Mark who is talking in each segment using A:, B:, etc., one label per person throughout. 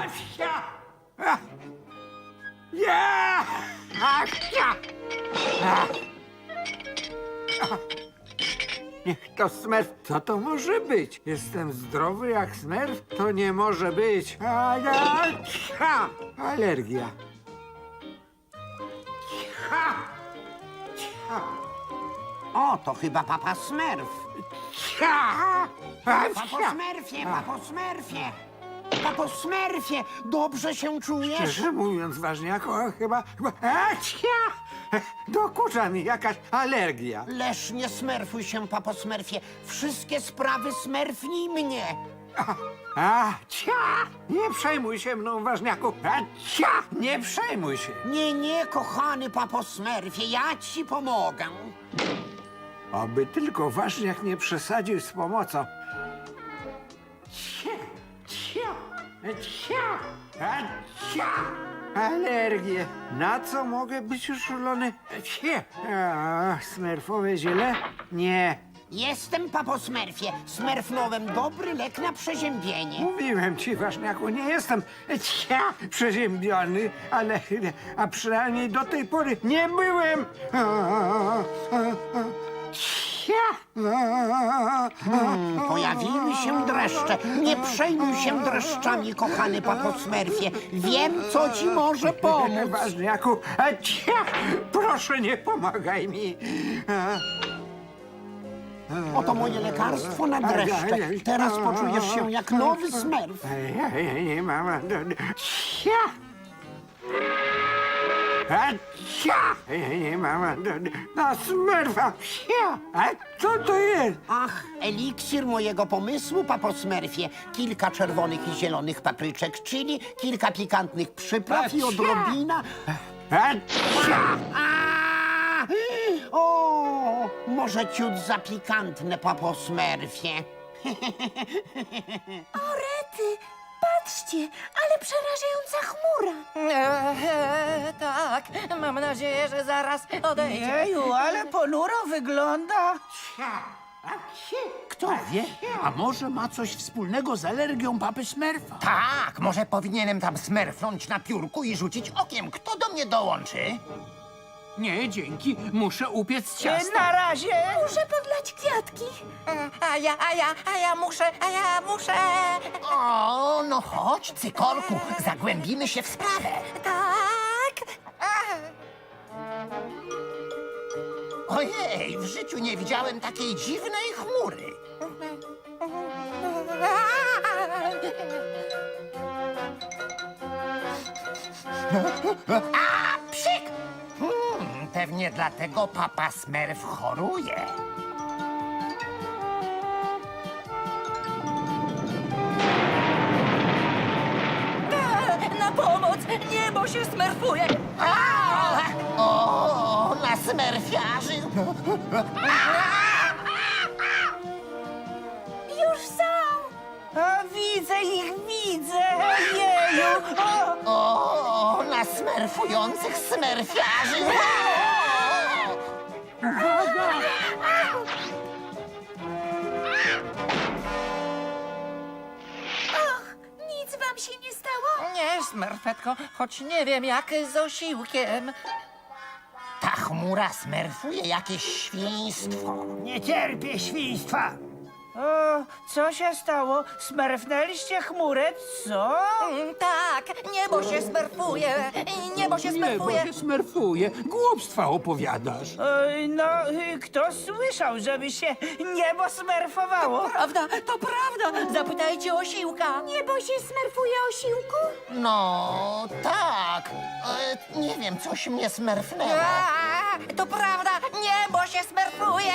A: Asia! Ja! Asia! Niech to Smurf. Co to może być? Jestem zdrowy jak Smurf? To nie może być. Alergia.
B: O, to chyba papa Smurf. Papo Smurfie, papo Smurfie. Papo Smurfie, dobrze się czujesz?
A: Szczerze mówiąc, ważniaku, chyba... Dokucza mi jakaś alergia.
B: Leż nie smerfuj się, papo Smurfie. Wszystkie sprawy smerfnij mnie.
A: Nie przejmuj się mną, ważniaku. Nie przejmuj się.
B: Nie, kochany papo Smurfie, ja ci pomogę.
A: Oby tylko ważniak nie przesadził z pomocą. Alergie. Na co mogę być uczulony? Smerfowe ziele? Nie.
B: Jestem papo Smurfie. Smerfnąłem dobry lek na przeziębienie.
A: Mówiłem ci, ważniaku, nie jestem przeziębiony, ale a przynajmniej do tej pory nie byłem.
B: Pojawiły się dreszcze. Nie przejmuj się dreszczami, kochany papo Smurfie. Wiem, co ci może pomóc.
A: Ważniaku, proszę nie pomagaj mi.
B: Oto moje lekarstwo na dreszcze. Teraz poczujesz się jak nowy Smurf.
A: Nie mam. Nie mam. Na Smurfa. A co to jest?
B: Ach, eliksir mojego pomysłu, papo Smurfie. Kilka czerwonych i zielonych papryczek chili, kilka pikantnych przypraw i odrobina... O, może ciut za pikantne, papo Smurfie.
C: O, rety! Patrzcie, ale przerażająca chmura.
D: Tak, mam nadzieję, że zaraz odejdzie.
E: Jeju, ale ponuro wygląda.
F: Kto wie, a może ma coś wspólnego z alergią papy Smurfa?
G: Tak, może powinienem tam smerfnąć na piórku i rzucić okiem. Kto do mnie dołączy?
F: Nie, dzięki. Muszę upiec ciasto.
E: Na razie.
C: Muszę podlać kwiatki.
D: A ja muszę.
G: O, no chodź, cykorku, zagłębimy się w sprawę.
D: Tak.
G: Ojej, w życiu nie widziałem takiej dziwnej chmury. A, psik! Pewnie dlatego papa Smurf choruje.
D: Na pomoc! Niebo się smerfuje!
G: O, na smerfiarzy!
C: Już są.
E: A, widzę ich, widzę. Jeju.
G: O, na smerfujących smerfiarzy!
C: Nic wam się nie stało?
D: Nie, smerfetko, choć nie wiem jak z osiłkiem.
G: Ta chmura smerfuje jakieś świństwo.
E: Nie cierpię świństwa. O, co się stało? Smerfnęliście chmurę, co?
D: Tak, niebo się smerfuje! Niebo się
F: Niebo
D: smerfuje!
F: się smerfuje. Głupstwa opowiadasz.
E: No, kto słyszał, żeby się niebo smerfowało?
D: Prawda, to prawda! Zapytajcie osiłka!
C: Niebo się smerfuje, osiłku?
G: No, tak. Nie wiem, coś mnie smerfnęło.
D: To prawda, niebo się smerfuje!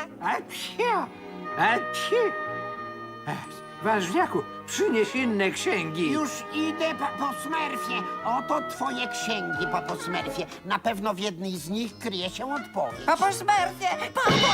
A: Ważniaku, przynieś inne księgi.
B: Już idę, papo Smurfie. Oto twoje księgi, papo Smurfie. Na pewno w jednej z nich kryje się odpowiedź.
D: Papo smerfie! Papo!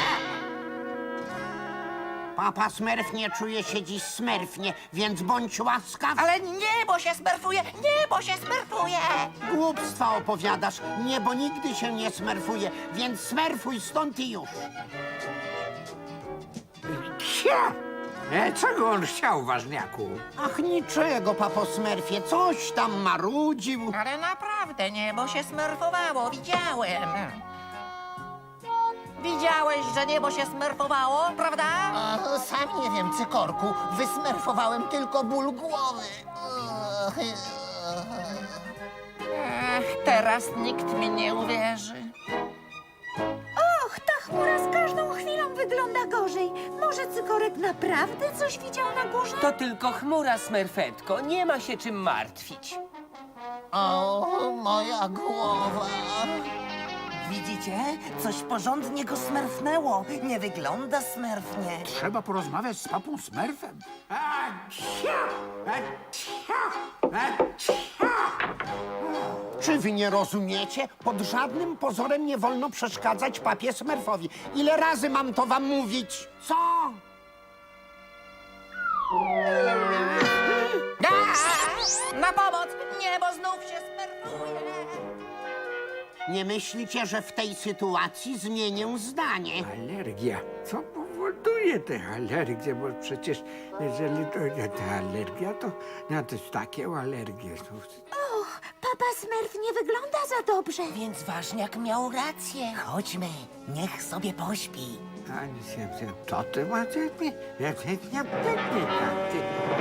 B: Papa Smurf nie czuje się dziś smerfnie, więc bądź łaskaw.
D: Ale niebo się smerfuje! Niebo się smerfuje!
B: Głupstwa opowiadasz. Niebo nigdy się nie smerfuje, więc smerfuj stąd i już.
A: Czego on chciał, ważniaku?
B: Ach, niczego, papo Smurfie, coś tam marudził.
D: Ale naprawdę niebo się smerfowało, widziałem. Widziałeś, że niebo się smerfowało, prawda?
G: Sam nie wiem, Cykorku. Wysmerfowałem tylko ból głowy.
D: Teraz nikt mi nie uwierzy.
C: Och, ta chmura z każdą chwilą wygląda gorzej. Może Cykorek naprawdę coś widział na górze?
H: To tylko chmura, Smerfetko. Nie ma się czym martwić.
G: O, moja głowa.
I: Widzicie? Coś porządnie go smerfnęło. Nie wygląda smerfnie.
F: Trzeba porozmawiać z papą Smurfem.
B: Czy wy nie rozumiecie? Pod żadnym pozorem nie wolno przeszkadzać papie Smurfowi. Ile razy mam to wam mówić? Co?
D: Na pomoc! Niebo znów się smerfuje!
B: Nie myślicie, że w tej sytuacji zmienię zdanie?
A: Alergia. Co powoduje tę alergię? Bo przecież jeżeli to ta alergia, to jest takie alergie.
C: Och, papa Smurf nie wygląda za dobrze.
I: Więc ważniak miał rację. Chodźmy, niech sobie pośpi.
A: To ty macie? Ja pewnie tak.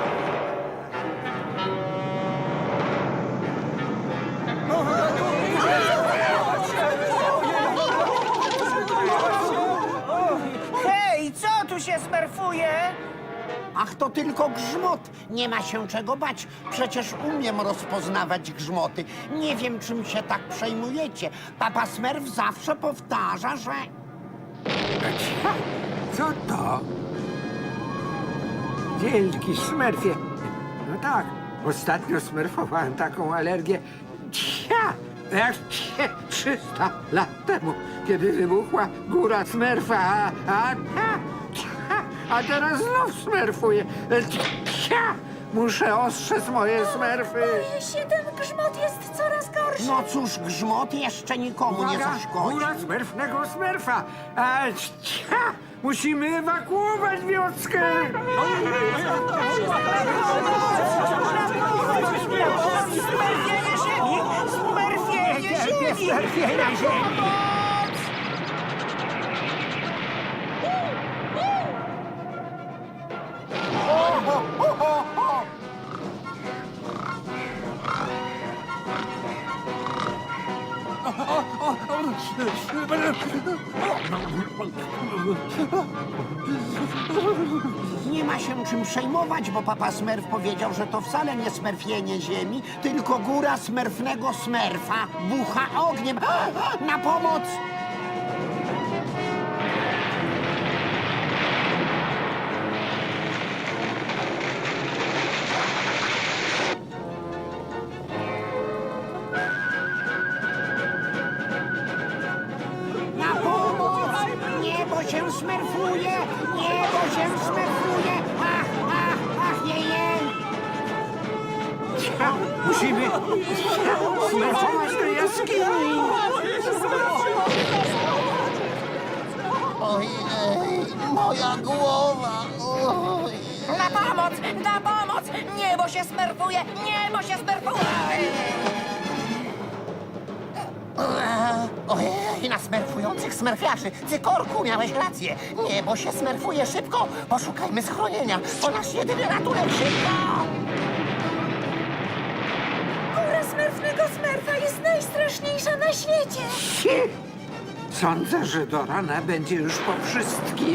E: Hej, co tu się smerfuje?
B: Ach, to tylko grzmot. Nie ma się czego bać. Przecież umiem rozpoznawać grzmoty. Nie wiem, czym się tak przejmujecie. Papa Smurf zawsze powtarza, że...
A: Co to? Wielki Smurfie. No tak, ostatnio smerfowałem taką alergię. Jak 300 lat temu, kiedy wybuchła góra Smurfa, a teraz znów smerfuję. Muszę ostrzec moje Smurfy.
C: Boję się, ten grzmot jest coraz gorszy.
B: No cóż, grzmot jeszcze nikomu nie
A: Uwaga,
B: zaszkodzi.
A: góra Smurfnego Smurfa. Musimy ewakuować wioskę.
E: Smerfienie ziemi! Smerfienie ziemi!
B: Nie ma się czym przejmować, bo papa Smurf powiedział, że to wcale nie smerfienie ziemi, tylko góra smerfnego Smurfa bucha ogniem. Na pomoc! Na pomoc! Niebo się smerfuje! Niebo się smerfuje! Ach, jej!
A: Musimy smerfować do jaskini.
G: Ojej, moja głowa. Oj.
D: Na pomoc! Na pomoc! Niebo się smerfuje! Niebo się smerfuje!
G: Ojej, na smerfujących smerfiarzy. Cykorku, miałeś rację. Niebo się smerfuje szybko. Poszukajmy schronienia. To nasz jedyny ratunek. Szybko!
C: Góra Smurfnego Smurfa jest najstraszniejsza na świecie.
A: Sądzę, że do rana będzie już po wszystkim.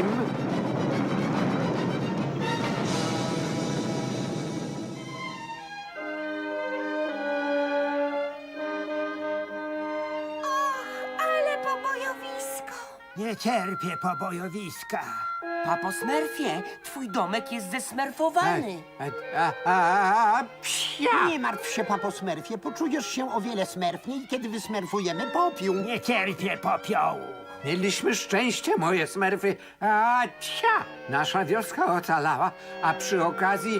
C: Ale pobojowisko.
E: Nie cierpię pobojowiska.
H: Papo Smurfie, twój domek jest zesmerfowany.
A: Psia!
B: Nie martw się, papo Smurfie, poczujesz się o wiele smerfniej, kiedy wysmerfujemy popiół.
E: Nie cierpię popiołu.
A: Mieliśmy szczęście, moje Smurfy. Nasza wioska ocalała, a przy okazji...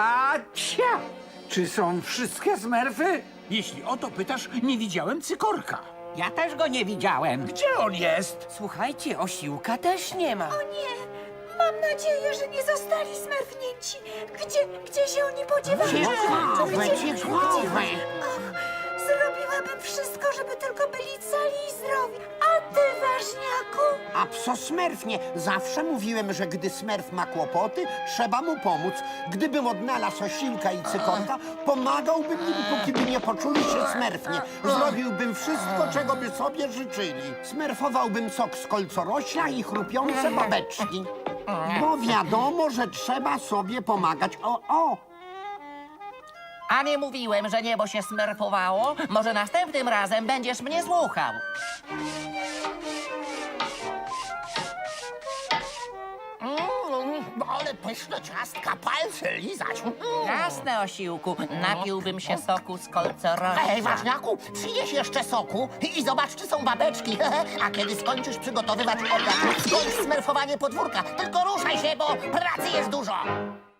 A: Czy są wszystkie Smurfy?
F: Jeśli o to pytasz, nie widziałem Cykorka.
I: Ja też go nie widziałem.
F: Gdzie on jest?
H: Słuchajcie, osiłka też nie ma.
C: O nie, Mam nadzieję, że nie zostali smerfnięci. Gdzie się oni podziewają?
B: Ciekawe.
C: Och, zrobiłabym wszystko, żeby tylko byli cali i zdrowi. A ty, ważniaku?
B: A pso smerfnie. Zawsze mówiłem, że gdy smerf ma kłopoty, trzeba mu pomóc. Gdybym odnalazł Osilka i Cykorka, pomagałbym im, póki by nie poczuli się smerfnie. Zrobiłbym wszystko, czego by sobie życzyli. Smerfowałbym sok z kolcorośla i chrupiące babeczki. Bo wiadomo, że trzeba sobie pomagać. O!
D: A nie mówiłem, że niebo się smerfowało? Może następnym razem będziesz mnie słuchał.
G: Ale pyszne ciastka, palce lizać.
D: Jasne, Osiłku, napiłbym się soku z kolcorośla.
G: Ej, ważniaku, przynieś jeszcze soku i zobacz, czy są babeczki. A kiedy skończysz przygotowywać obiad, skończ smerfowanie podwórka. Tylko ruszaj się, bo pracy jest dużo.